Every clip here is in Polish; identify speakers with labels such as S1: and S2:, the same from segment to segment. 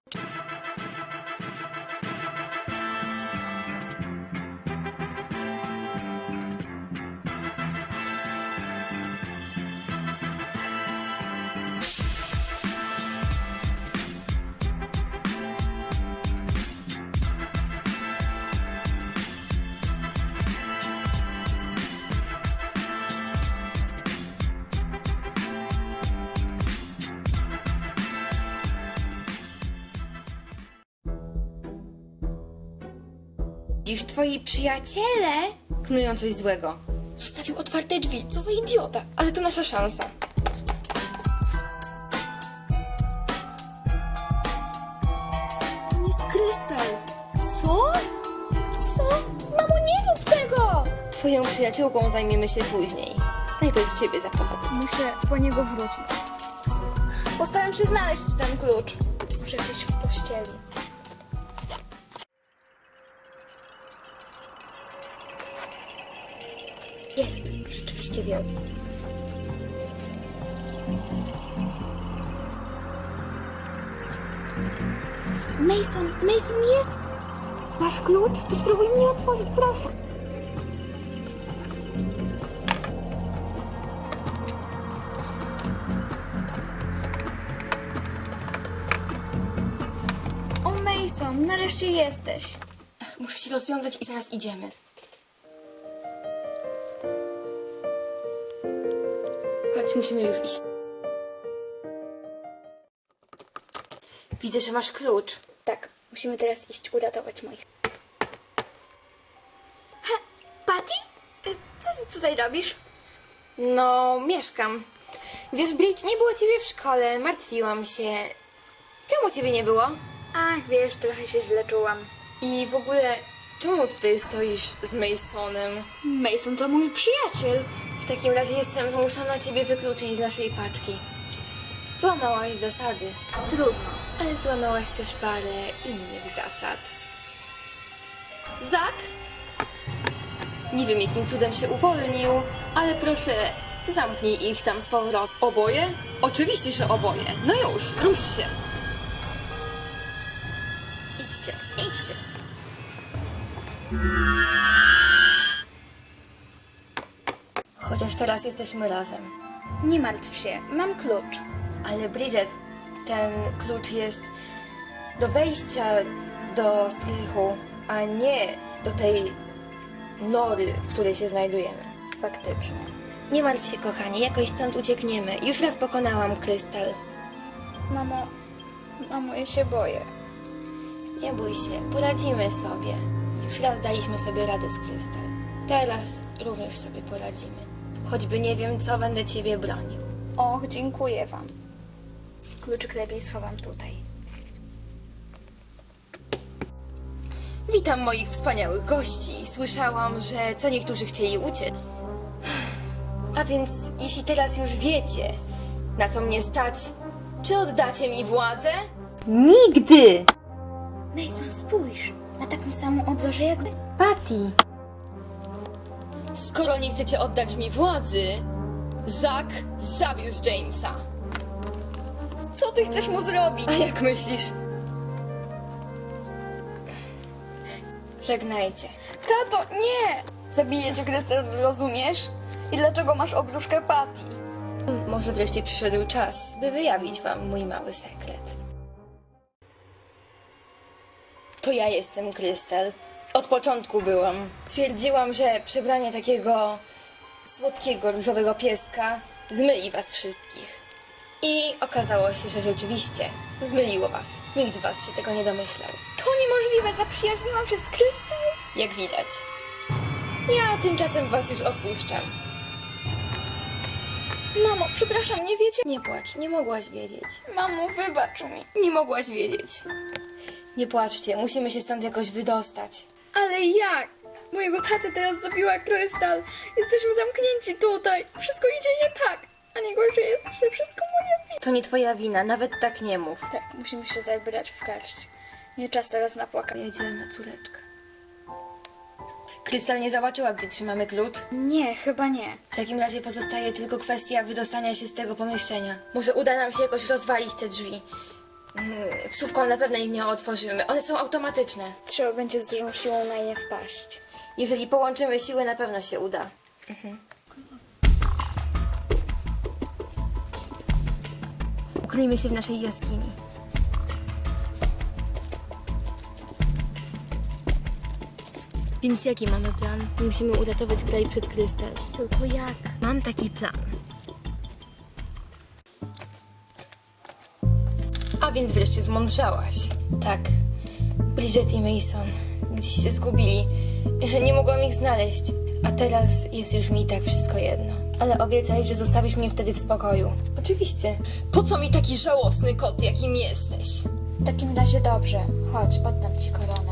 S1: Dziś twoi przyjaciele knują coś złego.
S2: Zostawił otwarte drzwi, co za idiota.
S1: Ale to nasza szansa.
S2: To jest krystal. Co? Co? Mamo, nie rób tego!
S1: Twoją przyjaciółką zajmiemy się później. Najpierw ciebie zaprowadzę.
S2: Muszę po niego wrócić.
S1: Postaram się znaleźć ten klucz.
S2: Może gdzieś w pościeli. Jest, rzeczywiście wielki. Mason jest! Masz klucz? To spróbuj mnie otworzyć, proszę. O, Mason, nareszcie jesteś.
S1: Muszę się rozwiązać i zaraz idziemy. Chodź, musimy już iść. Widzę, że masz klucz.
S2: Tak, musimy teraz iść uratować moich. Patty? Co ty tutaj robisz?
S1: No, mieszkam. Wiesz, Bridge, nie było ciebie w szkole. Martwiłam się. Czemu ciebie nie było?
S2: Ach, wiesz, trochę się źle czułam.
S1: I w ogóle, czemu tutaj stoisz z Masonem?
S2: Mason to mój przyjaciel.
S1: W takim razie jestem zmuszona ciebie wykluczyć z naszej paczki. Złamałaś zasady,
S2: Trudno.
S1: ale złamałaś też parę innych zasad. Zak? Nie wiem, jakim cudem się uwolnił, ale proszę, zamknij ich tam z powrotem. Oboje? Oczywiście, że oboje. No już, rusz się. Idźcie, idźcie. Chociaż teraz jesteśmy razem.
S2: Nie martw się, mam klucz.
S1: Ale Bridget, ten klucz jest do wejścia do strychu, a nie do tej nory, w której się znajdujemy.
S2: Faktycznie.
S1: Nie martw się, kochanie, jakoś stąd uciekniemy. Już raz pokonałam krystal.
S2: Mamo, ja się boję.
S1: Nie bój się, poradzimy sobie. Już raz daliśmy sobie radę z krystal. Teraz również sobie poradzimy. Choćby nie wiem, co będę ciebie bronił.
S2: Och, dziękuję wam. Kluczyk lepiej schowam tutaj.
S1: Witam moich wspaniałych gości. Słyszałam, że co niektórzy chcieli uciec. A więc, jeśli teraz już wiecie, na co mnie stać, czy oddacie mi władzę?
S3: Nigdy!
S2: Mason, spójrz. Ma taką samą obrożę jakby...
S3: Patty!
S1: Skoro nie chcecie oddać mi władzy, Zak, zabierz Jamesa.
S2: Co ty chcesz mu zrobić?
S1: A jak myślisz? Żegnajcie.
S2: Tato, nie! Zabiję cię, Krystal, rozumiesz? I dlaczego masz obruszkę Patty?
S1: Może wreszcie przyszedł czas, by wyjawić wam mój mały sekret. To ja jestem Krystal. Od początku byłam. Twierdziłam, że przebranie takiego słodkiego, różowego pieska zmyli was wszystkich. I okazało się, że rzeczywiście zmyliło was. Nikt z was się tego nie domyślał.
S2: To niemożliwe, zaprzyjaźniłam się z Krystal.
S1: Jak widać. Ja tymczasem was już opuszczam.
S2: Mamo, przepraszam, nie wiecie?
S1: Nie płacz, nie mogłaś wiedzieć.
S2: Mamo, wybacz mi.
S1: Nie mogłaś wiedzieć. Nie płaczcie, musimy się stąd jakoś wydostać.
S2: Ale jak? Mojego tatę teraz zabiła Krystal. Jesteśmy zamknięci tutaj. Wszystko idzie nie tak. A najgorsze jest, że wszystko moja wina.
S1: To nie twoja wina, nawet tak nie mów.
S2: Tak, musimy się zabrać w garść. Nie czas teraz na płakanie.
S1: Moja dzielna córeczka. Krystal nie zobaczyła, gdy trzymamy klucz.
S2: Nie, chyba nie.
S1: W takim razie pozostaje tylko kwestia wydostania się z tego pomieszczenia. Może uda nam się jakoś rozwalić te drzwi. Wsówką na pewno ich nie otworzymy. One są automatyczne.
S2: Trzeba będzie z dużą siłą na nie wpaść.
S1: Jeżeli połączymy siły, na pewno się uda. Ukryjmy się w naszej jaskini. Więc jaki mamy plan? Musimy uratować kraj przed Krystal.
S2: Tylko jak?
S1: Mam taki plan. A więc wreszcie zmądrzałaś. Tak. Bridget i Mason gdzieś się zgubili. Nie mogłam ich znaleźć. A teraz jest już mi i tak wszystko jedno. Ale obiecaj, że zostawisz mnie wtedy w spokoju. Oczywiście. Po co mi taki żałosny kot, jakim jesteś?
S2: W takim razie dobrze. Chodź, oddam ci koronę.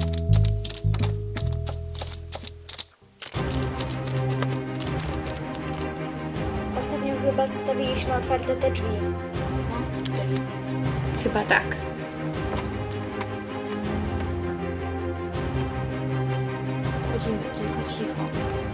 S2: Ostatnio chyba zostawiliśmy otwarte te drzwi. No, ty.
S1: Chyba tak. Chodzimy tylko cicho.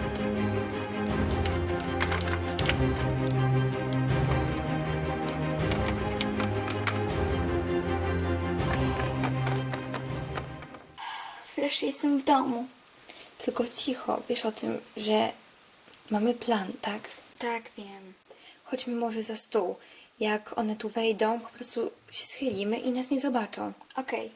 S2: Wreszcie jestem w domu.
S1: Tylko cicho. Wiesz o tym, że mamy plan, tak?
S2: Tak, wiem.
S1: Chodźmy może za stół. Jak one tu wejdą, po prostu się schylimy i nas nie zobaczą.
S2: Okej.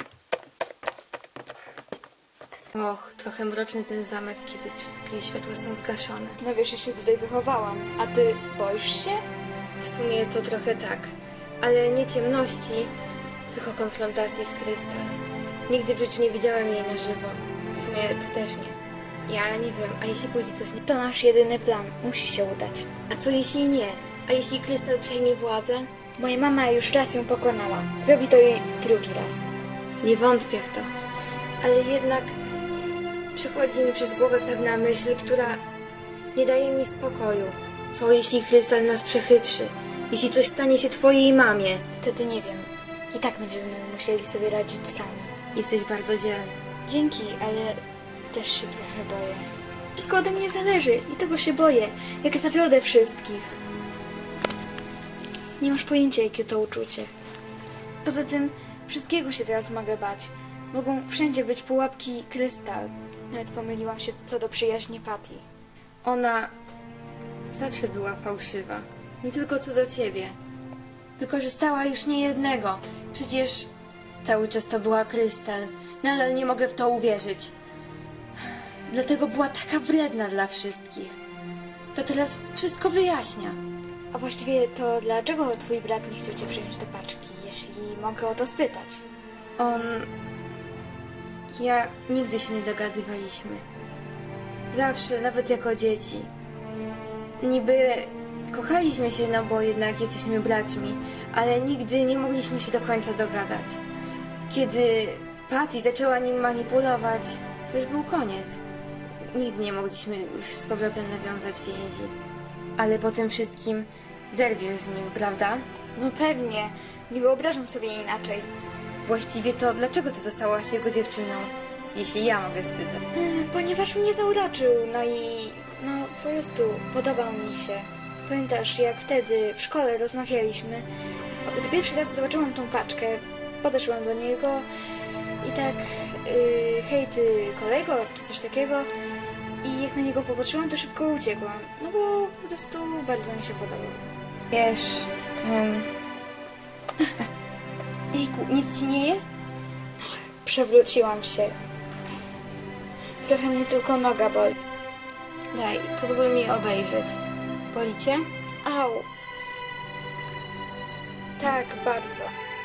S1: Och, trochę mroczny ten zamek, kiedy wszystkie światła są zgaszone.
S2: No wiesz, ja się tutaj wychowałam. A ty boisz się?
S1: W sumie to trochę tak. Ale nie ciemności, tylko konfrontacji z Krystal. Nigdy w życiu nie widziałem jej na żywo. W sumie ty też nie. Ja nie wiem, a jeśli pójdzie coś nie...
S2: To nasz jedyny plan. Musi się udać.
S1: A co jeśli nie? A jeśli Krystal przejmie władzę?
S2: Moja mama już raz ją pokonała. Zrobi to jej drugi raz.
S1: Nie wątpię w to. Ale jednak przychodzi mi przez głowę pewna myśl, która nie daje mi spokoju. Co jeśli Krystal nas przechytrzy? Jeśli coś stanie się twojej mamie?
S2: Wtedy nie wiem. I tak będziemy musieli sobie radzić sami.
S1: Jesteś bardzo dzielny.
S2: Dzięki, ale też się trochę boję. Wszystko ode mnie zależy i tego się boję. Jak zawiodę wszystkich. Nie masz pojęcia, jakie to uczucie. Poza tym, wszystkiego się teraz mogę bać. Mogą wszędzie być pułapki Krystal. Nawet pomyliłam się co do przyjaźni Patty.
S1: Ona zawsze była fałszywa. Nie tylko co do ciebie. Wykorzystała już niejednego. Przecież cały czas to była Krystal. Nadal nie mogę w to uwierzyć. Dlatego była taka wredna dla wszystkich. To teraz wszystko wyjaśnia.
S2: A właściwie to dlaczego twój brat nie chciał cię przyjąć do paczki, jeśli mogę o to spytać?
S1: Ja nigdy się nie dogadywaliśmy. Zawsze, nawet jako dzieci. Niby kochaliśmy się, no bo jednak jesteśmy braćmi, ale nigdy nie mogliśmy się do końca dogadać. Kiedy Patty zaczęła nim manipulować, to już był koniec. Nigdy nie mogliśmy już z powrotem nawiązać więzi. Ale po tym wszystkim zerwiesz z nim, prawda?
S2: No pewnie, nie wyobrażam sobie inaczej.
S1: Właściwie to dlaczego ty zostałaś jego dziewczyną? Jeśli ja mogę spytać.
S2: Ponieważ mnie zauroczył, no i po prostu podobał mi się. Pamiętasz, jak wtedy w szkole rozmawialiśmy? Gdy pierwszy raz zobaczyłam tą paczkę, podeszłam do niego i tak, hej ty kolego, czy coś takiego. I jak na niego popatrzyłam, to szybko uciekłam. No bo po prostu bardzo mi się podobał.
S1: Wiesz... Jejku, nic ci nie jest?
S2: Przewróciłam się. Trochę mnie tylko noga boli.
S1: Daj, pozwól mi obejrzeć. Boli cię?
S2: Au. Tak, bardzo.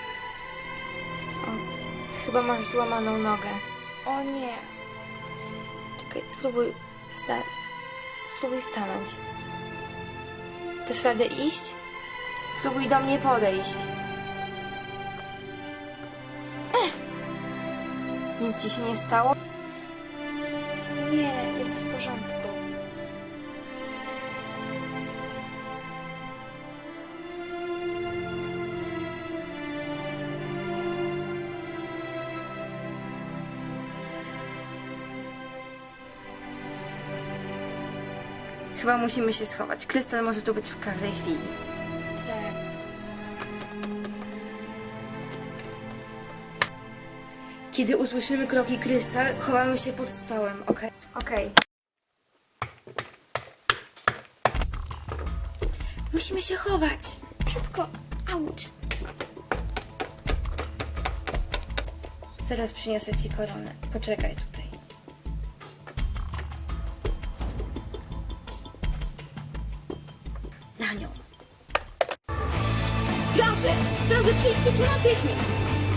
S1: O, chyba masz złamaną nogę.
S2: O nie.
S1: Czekaj, spróbuj stanąć. Dasz radę iść? Spróbuj do mnie podejść. Nic ci się nie stało?
S2: Nie, jest w porządku.
S1: Chyba musimy się schować. Krystal może tu być w każdej chwili.
S2: Tak.
S1: Kiedy usłyszymy kroki Krystal, chowamy się pod stołem, okej?
S2: Okej.
S1: Musimy się chować.
S2: Szybko. Auć.
S1: Zaraz przyniosę ci koronę. Poczekaj tutaj. Na nią. Straże! Straże, przyjdźcie tu natychmiast!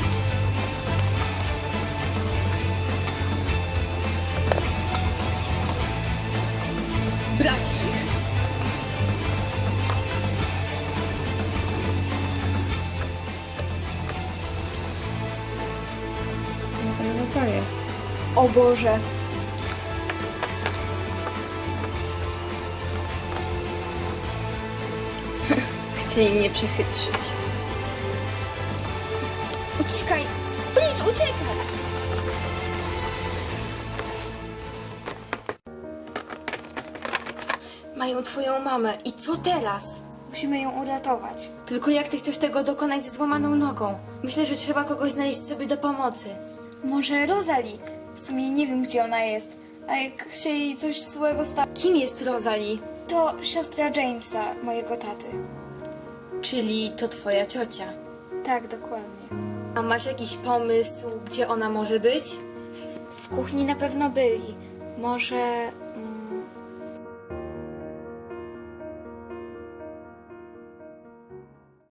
S1: Brać ich! No prawie.
S2: O Boże.
S1: Chcieli mnie przechytrzyć. Uciekaj! Precz, uciekaj! Mają twoją mamę. I co teraz?
S2: Musimy ją uratować.
S1: Tylko jak ty chcesz tego dokonać ze złamaną nogą? Myślę, że trzeba kogoś znaleźć sobie do pomocy.
S2: Może Rosalie? W sumie nie wiem, gdzie ona jest. A jak się jej coś złego stało...
S1: Kim jest Rosalie?
S2: To siostra Jamesa, mojego taty.
S1: Czyli to twoja ciocia.
S2: Tak, dokładnie.
S1: A masz jakiś pomysł, gdzie ona może być?
S2: W kuchni na pewno byli. Może